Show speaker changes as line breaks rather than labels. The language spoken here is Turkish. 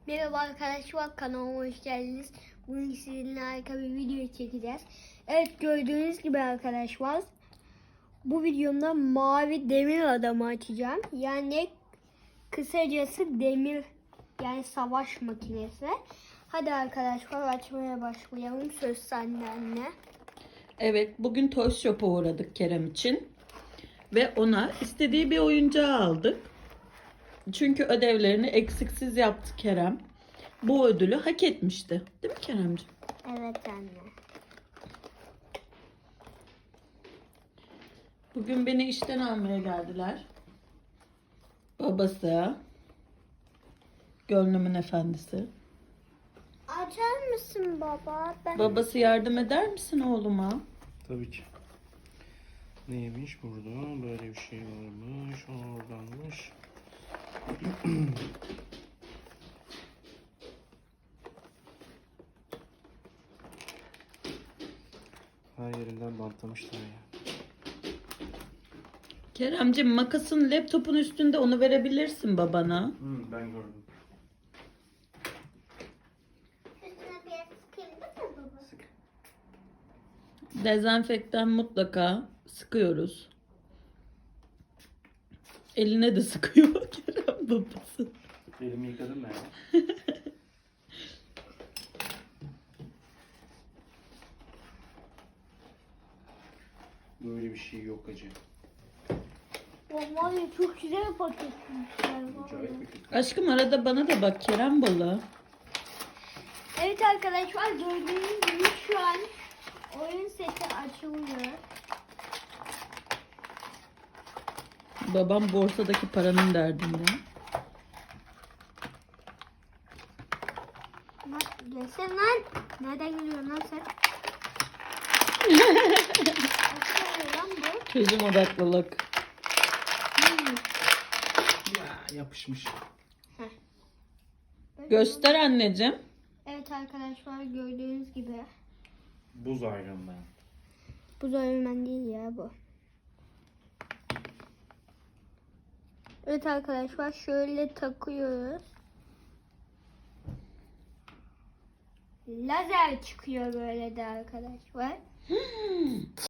Merhaba arkadaşlar, kanalıma hoş geldiniz. Bugün sizinle harika bir video çekeceğiz. Evet, gördüğünüz gibi arkadaşlar, bu videomda mavi demir adamı açacağım. Yani kısacası demir, yani savaş makinesi. Hadi arkadaşlar, açmaya başlayalım. Söz sende anne.
Evet, bugün Toy Shop'a uğradık Kerem için. Ve ona istediği bir oyuncağı aldık. Çünkü ödevlerini eksiksiz yaptı Kerem. Bu ödülü hak etmişti. Değil mi Keremciğim?
Evet anne.
Bugün beni işten almaya geldiler. Babası, gönlümün efendisi.
Açar mısın baba?
Babası yardım eder misin oğluma?
Tabii ki. Neymiş burada? Böyle bir şey varmış. Oradanmış. Her yerinden bantlamışlar ya.
Keremciğim, makasın laptopun üstünde, onu verebilirsin babana.
Ben gördüm.
Üstüne biraz sıkayım değil mi baba?
Sık.
Dezenfektan mutlaka sıkıyoruz. Eline de sıkıyor Kerem babası.
Elimi yıkadım ben. Böyle bir şey yok acı.
Vallahi çok güzel paketmişler.
Acayip bir kötü.
Aşkım, arada bana da bak Kerem balı.
Evet arkadaşlar, gördüğünüz gibi şu an oyun seti açılıyor.
Babam borsadaki paranın derdinde.
Gelsene lan. Nereden geliyorsun lan sen? Nasıl lan bu?
Çözüm odaklılık.
Ya yapışmış.
Göster anneciğim.
Evet arkadaşlar, gördüğünüz gibi.
Buz Iron Man.
Bu Iron değil ya bu. Evet arkadaşlar, şöyle takıyoruz. Lazer çıkıyor böyle de arkadaşlar.